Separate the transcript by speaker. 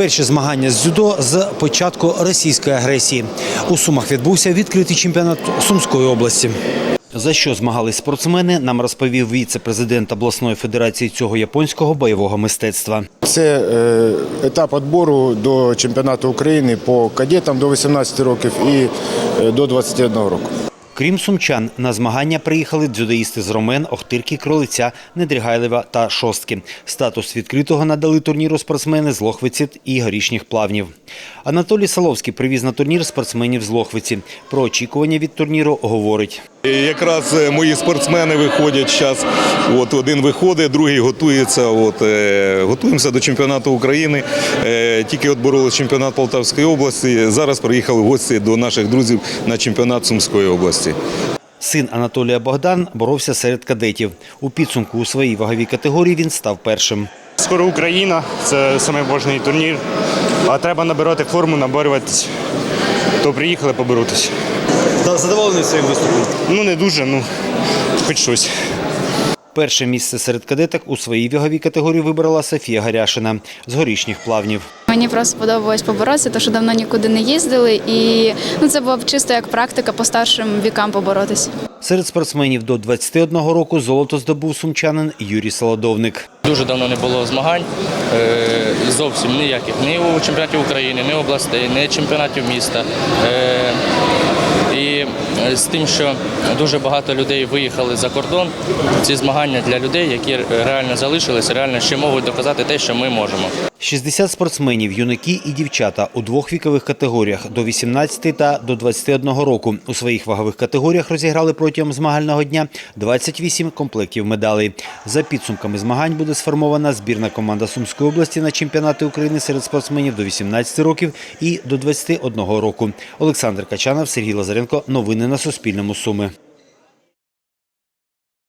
Speaker 1: Перші змагання з дзюдо з початку російської агресії. У Сумах відбувся відкритий чемпіонат Сумської області. За що змагались спортсмени, нам розповів віце-президент обласної федерації цього японського бойового мистецтва.
Speaker 2: Це етап відбору до чемпіонату України по кадетам до 18 років і до 21 року.
Speaker 1: Крім сумчан, на змагання приїхали дзюдоїсти з Ромен, Охтирки, Кролиця, Недрігайлева та Шостки. Статус відкритого надали турніру спортсмени з Лохвиці і Горішніх Плавнів. Анатолій Соловський привіз на турнір спортсменів з Лохвиці. Про очікування від турніру говорить.
Speaker 3: Якраз мої спортсмени виходять зараз. Один виходить, другий готується. Готуємося до чемпіонату України. Тільки боролися чемпіонат Полтавської області. Зараз приїхали в гості до наших друзів на чемпіонат Сумської області.
Speaker 1: Син Анатолія Богдан боровся серед кадетів. У підсумку у своїй ваговій категорії він став першим.
Speaker 4: Скоро Україна, це найважливіший турнір, а треба набирати форму, наборюватись. То приїхали поборотися.
Speaker 1: Задоволений своїм виступом?
Speaker 4: Не дуже, хоч щось.
Speaker 1: Перше місце серед кадеток у своїй ваговій категорії вибрала Софія Гаряшина з Горішніх Плавнів.
Speaker 5: Мені просто подобалось поборотися, тому що давно нікуди не їздили. І це було б чисто як практика по старшим вікам поборотися.
Speaker 1: Серед спортсменів до 21 року золото здобув сумчанин Юрій Солодовник.
Speaker 6: Дуже давно не було змагань, зовсім ніяких, ні у чемпіонаті України, ні областей, ні чемпіонатів міста. І з тим, що дуже багато людей виїхали за кордон, ці змагання для людей, які реально залишилися, реально ще можуть доказати те, що ми можемо.
Speaker 1: 60 спортсменів, юнаки і дівчата у двох вікових категоріях – до 18 та до 21 року. У своїх вагових категоріях розіграли протягом змагального дня 28 комплектів медалей. За підсумками змагань буде сформована збірна команда Сумської області на чемпіонати України серед спортсменів до 18 років і до 21 року. Олександр Качанов, Сергій Лазаренко. Новини на Суспільному. Суми.